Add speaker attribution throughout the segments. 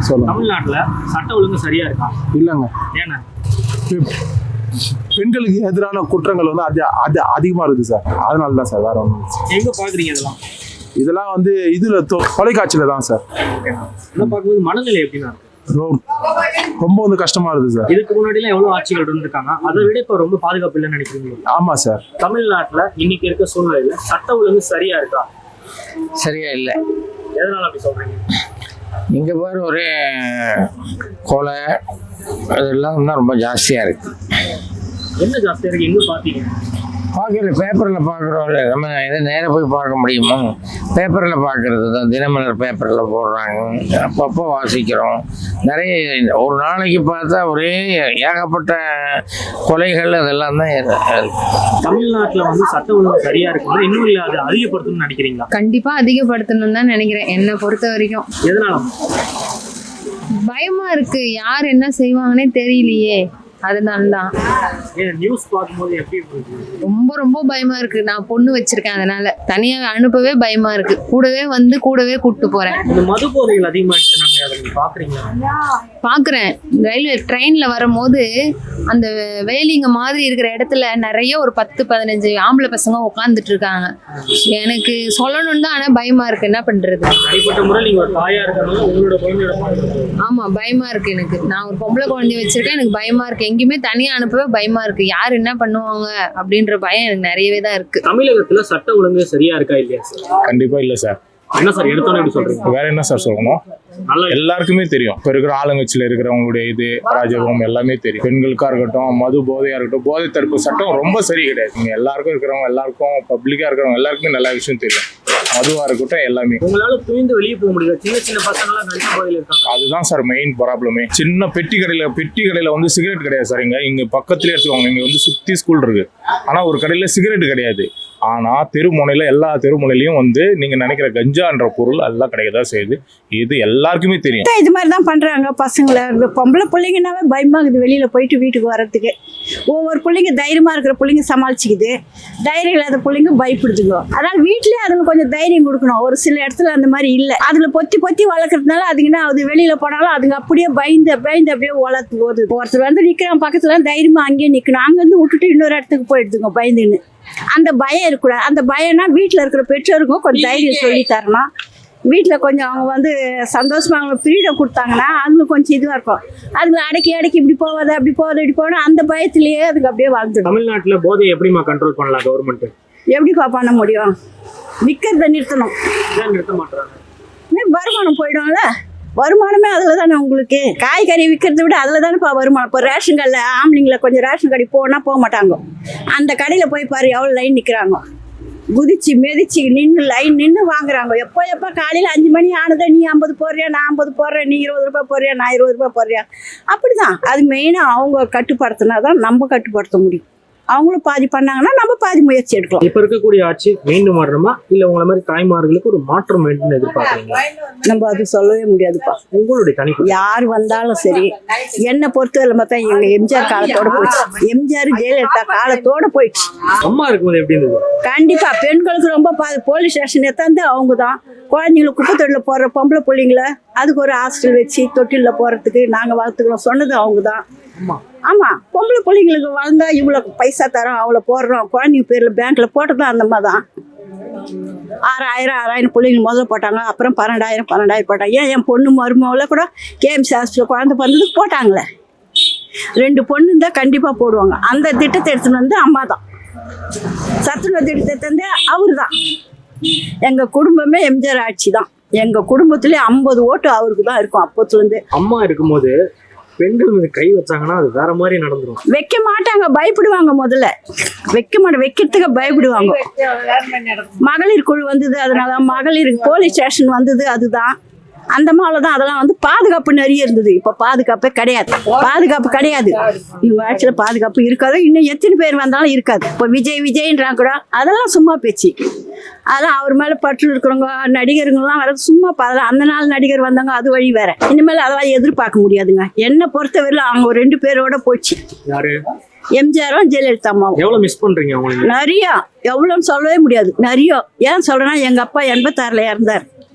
Speaker 1: சொல்லுங்க.
Speaker 2: தமிழ்நாட்டுல சட்ட ஒழுங்கு சரியா இருக்கா?
Speaker 1: இல்லைங்க.
Speaker 2: ஏன்னா
Speaker 1: பெண்களுக்கு எதிரான குற்றங்கள் வந்து அது அதிகமா இருக்குது சார். அதனால தான் சார், வேற ஒன்றும்.
Speaker 2: எங்க பாக்குறீங்க
Speaker 1: இதெல்லாம் வந்து இதுல தொலைக்காட்சியில தான் சார்.
Speaker 2: பார்க்கும்போது மனநிலை எப்படின்னா
Speaker 1: ரொம்ப வந்து கஷ்டமா இருக்குது சார்.
Speaker 2: இதுக்கு முன்னாடி எல்லாம் எவ்வளவு ஆட்சிகள் இருந்திருக்காங்க, அதை விட இப்ப ரொம்ப பாதுகாப்பு இல்லைன்னு நினைக்கிறீங்க?
Speaker 1: ஆமா சார்.
Speaker 2: தமிழ்நாட்டுல இன்னைக்கு இருக்க சூழ்நிலையில சட்ட ஒழுங்கு சரியா இருக்கா?
Speaker 3: சரியா இல்லை.
Speaker 2: எதனால அப்படி சொல்றீங்க?
Speaker 3: இங்கே பாரு, ஒரே கொலை அதெல்லாம் தான் ரொம்ப ஜாஸ்தியாக இருக்குது.
Speaker 2: என்ன ஜாஸ்தியா இருக்கு? எங்க பாத்தீங்க?
Speaker 3: பார்க்குற பேப்பரில் பார்க்குறோம்ல, நம்ம எதை நேராக போய் பார்க்க முடியுமா? பேப்பரில் பார்க்குறது தான், தினமலர் பேப்பரில் போடுறாங்க, அப்பப்போ வாசிக்கிறோம். நிறைய ஒரு நாளைக்கு பார்த்தா ஒரே ஏகப்பட்ட கொலைகள் அதெல்லாம் தான் இருக்கு.
Speaker 2: தமிழ்நாட்டில் வந்து சட்ட ஒழுங்கு சரியா இருக்குன்னா இன்னும் இல்லை அதை அதிகப்படுத்தணும்னு நினைக்கிறீங்களா?
Speaker 4: கண்டிப்பா அதிகப்படுத்தணும்னு தான் நினைக்கிறேன். என்னை பொறுத்த வரைக்கும்.
Speaker 2: எதனால?
Speaker 4: பயமா இருக்கு, யார் என்ன செய்வாங்கன்னே தெரியலையே, அதனாலதான்.
Speaker 2: நியூஸ் பார்க்கும்போது எப்படி இருக்கு?
Speaker 4: ரொம்ப ரொம்ப பயமா இருக்கு. நான் பொண்ணு வச்சிருக்கேன், அதனால தனியா அனுப்பவே பயமா இருக்கு. கூடவே கூப்பிட்டு போறேன்.
Speaker 2: இந்த மது போதைகள் அதிகமாயிடுச்சு, நாங்க அதை நீங்க பாக்குறீங்களா?
Speaker 4: பாக்குறேன். ரயில்வே ட்ரெயின்ல வரும்போது அந்த வேலிங்க மாதிரி இருக்கிற இடத்துல நிறைய ஒரு 10-15 ஆம்பளை பசங்க உட்காந்துட்டு இருக்காங்க. எனக்கு சொல்லணும்னு தான், ஆனா பயமா இருக்கு. என்ன பண்றது?
Speaker 2: தனிப்பட்ட முறை நீங்க ஒரு தாயா இருக்கனால உங்களோட குழந்தையோட
Speaker 4: ஆமா, பயமா இருக்கு எனக்கு. நான் ஒரு பொம்பளை குழந்தைய வச்சிருக்கேன், எனக்கு பயமா இருக்கு. எங்கேயுமே தனியா அனுப்பவே பயமா இருக்கு. யார் என்ன பண்ணுவாங்க அப்படின்ற பயம் எனக்கு நிறையவே தான் இருக்கு.
Speaker 2: தமிழகத்துல சட்ட ஒழுங்கு சரியா இருக்கா இல்லையா சார்?
Speaker 1: கண்டிப்பா இல்ல சார்.
Speaker 2: என்ன சார் எடுத்தோன்னு எப்படி சொல்றீங்க?
Speaker 1: வேற என்ன சார் சொல்லணும்? எல்லாருக்குமே தெரியும். இப்ப இருக்கிற ஆளுங்கட்சியில இருக்கிறவங்களுடைய இது ராஜபம் எல்லாமே தெரியும். பெண்களுக்கா இருக்கட்டும், மது போதையா இருக்கட்டும், போதை தடுப்பு சட்டம் ரொம்ப சரி கிடையாது. நீங்க எல்லாருக்கும் இருக்கிறவங்க, எல்லாருக்கும் பப்ளிக்கா இருக்கிறவங்க எல்லாருக்குமே நல்ல விஷயம் தெரியும். மதுவா இருக்கட்டும் எல்லாமே.
Speaker 2: உங்களால துணிந்து வெளியே போக முடியாது. சின்ன பசங்க எல்லாம் கஞ்சா போதையில இருக்காங்க.
Speaker 1: அதுதான் சார் மெயின் ப்ராப்ளமே. சின்ன பெட்டி கடையில வந்து சிகரெட் கிடையாது சார். இங்க பக்கத்துலயே எடுத்துக்கோங்க. இங்க வந்து சுத்தி ஸ்கூல் இருக்கு, ஆனா ஒரு கடையில சிகரெட் கிடையாது. ஆனா தெருமுனையில, எல்லா தெருமுனையிலையும் வந்து நீங்க நினைக்கிற கஞ்சான்ற பொருள் எல்லாம் கிடைக்கதான் செய்யுது. இது எல்லாருக்குமே தெரியும்.
Speaker 5: இது மாதிரி தான் பண்றாங்க பசங்களை. இந்த பொம்பளை பிள்ளைங்கன்னாவே பயமா இருக்குது வெளியில போயிட்டு வீட்டுக்கு வர்றதுக்கு. ஒவ்வொரு பிள்ளைங்க தைரியமா இருக்கிற பிள்ளைங்க சமாளிச்சுக்குது, தைரியம் இல்லாத பிள்ளைங்க பயப்படுதுங்க. அதனால வீட்லயே அதுங்க கொஞ்சம் தைரியம் கொடுக்கணும். ஒரு சில இடத்துல அந்த மாதிரி இல்லை. அதுல பொத்தி வளர்க்கறதுனால அதுங்கன்னா அது வெளியில போனாலும் அதுங்க அப்படியே பயந்து அப்படியே வளர்த்து போகுது. ஒருத்தர் வந்து நிக்கிறான் பக்கத்துல, தைரியமா அங்கேயே நிக்கணும். அங்க இருந்து விட்டுட்டு இன்னொரு இடத்துக்கு போயிடுதுங்க பயந்துன்னு. அந்த பயம் இருக்கக்கூடாது. அந்த பயம்னா வீட்டில் இருக்கிற பெற்றோருக்கும் கொஞ்சம் தைரியம் சொல்லி தரணும். வீட்டில் கொஞ்சம் அவங்க வந்து சந்தோஷமா அவங்களுக்கு ஃப்ரீடம் கொடுத்தாங்கன்னா அதுங்களுக்கு கொஞ்சம் இதுவாக இருக்கும். அதுங்களை அடக்கி இப்படி போகாது அப்படி போகாது இப்படி போனால் அந்த பயத்திலேயே அதுக்கு அப்படியே வாழ்ந்துடும்.
Speaker 2: தமிழ்நாட்டில் போதை எப்படிமா கண்ட்ரோல் பண்ணலாம் கவர்மெண்ட்?
Speaker 5: எப்படிப்பா பண்ண முடியும்? விற்கிறத நிறுத்தணும்.
Speaker 2: நிறுத்த மாட்டாங்க.
Speaker 5: வருமானம் போயிடும்ல. வருமானமே அதில் தானே உங்களுக்கு. காய்கறி விற்கிறத விட அதில் தானேப்பா வருமானம். இப்போ ரேஷன் கடையில் ஆம்பளைங்களை கொஞ்சம் ரேஷன் கடை போக மாட்டாங்க. அந்த கடையில் போய் பாரு எவ்வளோ லைன் நிற்கிறாங்க. குதிச்சு மிதிச்சு நின்று வாங்குறாங்க. எப்போ காலையில் 5 மணி ஆனதை நீ 50 போடுறியா, நான் 50 போடுறேன், நீ 20 ரூபாய் போடுறியா, நான் 20 ரூபாய் போடுறியா. அப்படிதான். அது மெயினாக அவங்க கட்டுப்படுத்தினா தான் நம்ம கட்டுப்படுத்த முடியும். அவங்களும் பாதி பண்ணாங்கன்னா நம்ம பாதி முயற்சி எடுக்கலாம்.
Speaker 2: இப்ப இருக்கக்கூடிய ஆட்சி மீண்டும் வரணுமா, இல்ல உங்களை மாதிரி தாய்மார்களுக்கு ஒரு மாற்றம் வேண்டும் எதிர்பார்க்குறீங்க?
Speaker 5: நம்ம அது சொல்லவே முடியாதுப்பா.
Speaker 2: உங்களுடைய தனிப்பு
Speaker 5: யார் வந்தாலும் சரி, என்னை பொறுத்தவரை பார்த்தா எங்க எம்ஜிஆர் காலத்தோட போயிடுச்சு. எம்ஜிஆர் ஜெயலலிதா காலத்தோட போயிடுச்சு.
Speaker 2: அம்மா இருக்கும்போது எப்படி இருந்தது?
Speaker 5: கண்டிப்பா பெண்களுக்கு ரொம்ப போலீஸ் ஸ்டேஷன் எத்தாந்து அவங்க தான். குழந்தைங்களுக்கு குப்பை தொட்டில போடுற பொம்பளை பிள்ளைங்கள அதுக்கு ஒரு ஹாஸ்டல் வச்சு தொட்டில போறதுக்கு நாங்க வளர்த்துக்கிறோம் சொன்னது அவங்க தான். ஆமா, பொம்பளை பிள்ளைங்களுக்கு வளர்ந்தா இவ்வளவு பைசா தரோம், அவ்வளவு போடுறோம். குழந்தைங்க பேர்ல பேங்க்ல போட்டதும் அந்த மாதிரி தான். 6000 பிள்ளைங்க முதல்ல போட்டாங்க, அப்புறம் 12,000 போட்டாங்க. என் பொண்ணு மருமகளை கூட கேஎம்சி ஹாஸ்பிட்டல் குழந்தை பிறந்ததுக்கு போட்டாங்களே. 2 பொண்ணு தான் கண்டிப்பா போடுவாங்க. அந்த திட்டத்தை எடுத்துன்னு வந்து அம்மா தான். சத்துணவு திட்டத்தை வந்து அவரு தான். எங்க குடும்பமே எம்ஜிஆர் ஆட்சி தான். எங்க குடும்பத்திலே 50 ஓட்டு அவருக்கு தான் இருக்கும் அப்பத்துல இருந்து.
Speaker 2: அம்மா இருக்கும்போது பெண்கள் மீது கை வச்சாங்கன்னா அது வேற மாதிரி நடந்துரும்.
Speaker 5: வைக்க மாட்டாங்க, பயப்படுவாங்க. முதல்ல வைக்கிறதுக்கு பயப்படுவாங்க. மகளிர் குழு வந்தது, அதனால மகளிர் போலீஸ் ஸ்டேஷன் வந்தது. அதுதான் அந்த மாதிரி தான். அதெல்லாம் வந்து பாதுகாப்பு நிறைய இருந்தது. இப்போ பாதுகாப்பே கிடையாது. இவங்க ஆட்சியில் பாதுகாப்பு இருக்காது. இன்னும் எத்தனை பேர் வந்தாலும் இருக்காது. இப்போ விஜய்ன்றாங்க கூட, அதெல்லாம் சும்மா பேச்சு. அதெல்லாம் அவர் மேலே பற்று இருக்கிறவங்க நடிகருங்கெல்லாம் வர சும்மா. அதெல்லாம் அந்த நாள் நடிகர் வந்தாங்க, அது வழி வேற. இனிமேல் அதெல்லாம் எதிர்பார்க்க முடியாதுங்க. என்னை பொறுத்தவரையில அவங்க 2 பேரோட போச்சு. எம்ஜிஆரும் ஜெயலலிதா அம்மாவும்.
Speaker 2: எவ்வளவு மிஸ் பண்றீங்க அவங்களுக்கு?
Speaker 5: நிறைய, எவ்வளோன்னு சொல்லவே முடியாது. நிறைய. ஏன் சொல்றேன்னா எங்க அப்பா 86ல் இறந்தார்.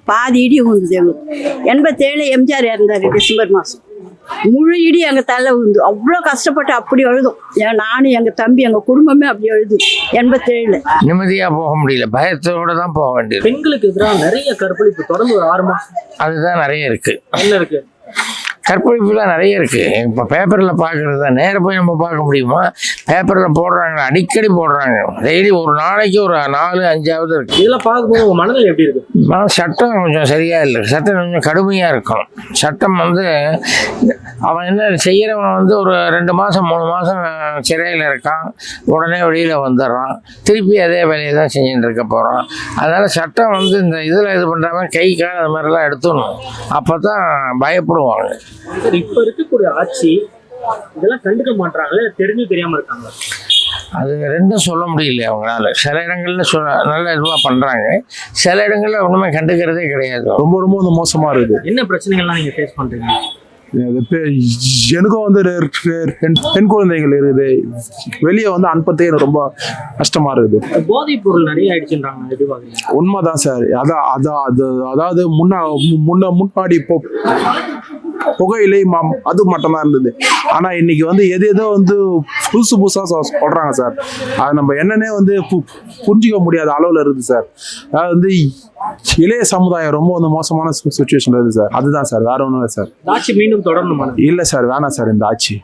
Speaker 5: பாதி இடி விழுந்தது எங்களுக்கு. 87 எம்ஜிஆர் இறந்தார் டிசம்பர் மாதம். முழு இடி எங்கள் தலை விழுந்து அவ்வளோ கஷ்டப்பட்டு அப்படி அழுதும். நானும் எங்கள் தம்பி எங்கள் குடும்பமே அப்படி அழுது 87.
Speaker 3: நிம்மதியாக போக முடியல, பயத்தோடு தான் போக வேண்டியது.
Speaker 2: பெண்களுக்கு எதிராக நிறைய கற்பழிப்பு தொடர்ந்து ஒரு 6 மாசம்
Speaker 3: அதுதான் நிறைய இருக்குது.
Speaker 2: என்ன இருக்கு?
Speaker 3: கற்பழிப்புலாம் நிறைய இருக்குது. இப்போ பேப்பரில் பார்க்குறது தான், நேராக போய் நம்ம பார்க்க முடியுமா? பேப்பரில் போடுறாங்க, அடிக்கடி போடுறாங்க. டெய்லி ஒரு நாளைக்கு ஒரு 4-5ஆவது இருக்குது.
Speaker 2: இதெல்லாம் பார்க்கும்போது உங்க மனதில் எப்படி இருக்கு?
Speaker 3: ஆனால் சட்டம் கொஞ்சம் சரியாக இல்லை. சட்டம் கொஞ்சம் கடுமையாக இருக்கணும். சட்டம் வந்து அவன் என்ன செய்கிறவன் வந்து ஒரு 2 மாதம் 3 மாதம் சிறையில் இருக்கான், உடனே வெளியில் வந்துடுறான், திருப்பி அதே வேலையை தான் செஞ்சுட்டு இருக்க போகிறான். அதனால் சட்டம் வந்து இந்த இதில் இது பண்ணுறாம கை கால் அது மாதிரிலாம் எடுத்துடணும். அப்போ தான் பயப்படுவாங்க.
Speaker 2: இப்ப இருக்கக்கூடிய ஆட்சி இதெல்லாம் கண்டுக்க மாட்டாங்களே, தெரிஞ்சு தெரியாம இருக்காங்க.
Speaker 3: அது ரெண்டும் சொல்ல முடியல அவங்களால. சில இடங்கள்ல நல்ல இதுவாக பண்ணுறாங்க, சில இடங்கள்ல ஒன்றுமே கண்டுக்கிறதே கிடையாது.
Speaker 6: ரொம்ப ரொம்ப வந்து மோசமாக இருக்குது.
Speaker 2: என்ன பிரச்சனைகள்லாம் நீங்க ஃபேஸ் பண்றீங்க?
Speaker 6: எனக்கும் வந்து பெண் குழந்தைகள் இருக்குது, வெளியே வந்து அனுப்புறதே எனக்கு ரொம்ப கஷ்டமா இருக்குது.
Speaker 2: போதைப் பொருள் நிறைய ஆயிடுச்சுன்றாங்க, எப்படி பாக்குறீங்க?
Speaker 6: உண்மைதான் சார். அதாவது முன்னாடி புகையிலை அது மட்டும்தான் இருந்தது. ஆனா இன்னைக்கு வந்து எது ஏதோ வந்து புதுசா சொல்றாங்க சார். அது நம்ம என்னன்னே வந்து புரிஞ்சிக்க முடியாத அளவுல இருக்குது சார். அதாவது வந்து இளைய சமுதாயம் ரொம்ப வந்து மோசமான சுச்சுவேஷன்ல இருக்குது சார். அதுதான் சார், வேற ஒன்றும் இல்லை சார்.
Speaker 2: ஆட்சி மீண்டும் தொடரணுமா?
Speaker 6: இல்லை சார், வேணாம் சார் இந்த ஆட்சி.